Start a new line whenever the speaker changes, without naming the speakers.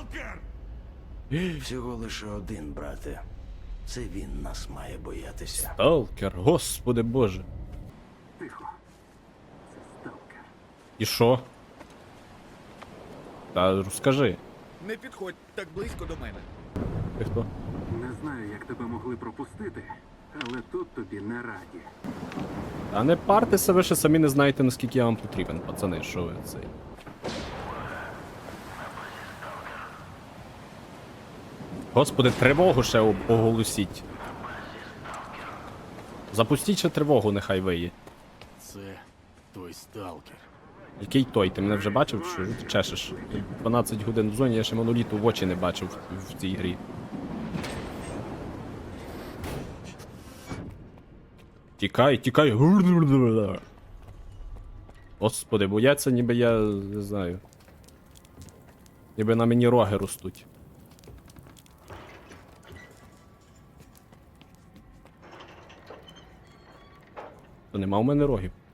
Сталкер!
Всього лише один, брате. Це він нас має боятися.
Сталкер, господи боже.
Тихо. Це сталкер.
І що? Та розкажи.
Не підходь так близько до мене.
Ти хто?
Не знаю, як тебе могли пропустити, але тут тобі не раді.
А не партеся, ви ще самі не знаєте, наскільки я вам потрібен, пацани, що ви цей. Господи, тривогу ще оголосіть. Запустіть ще тривогу, нехай виє.
Це той сталкер.
Який той? Ти мене вже бачив, що ти чешеш? 12 годин в зоні, я ще моноліту в очі не бачив в цій грі. Тікай, тікай. Господи, бояться, ніби я не знаю. Ніби на мені роги ростуть. То нема у мене рогів.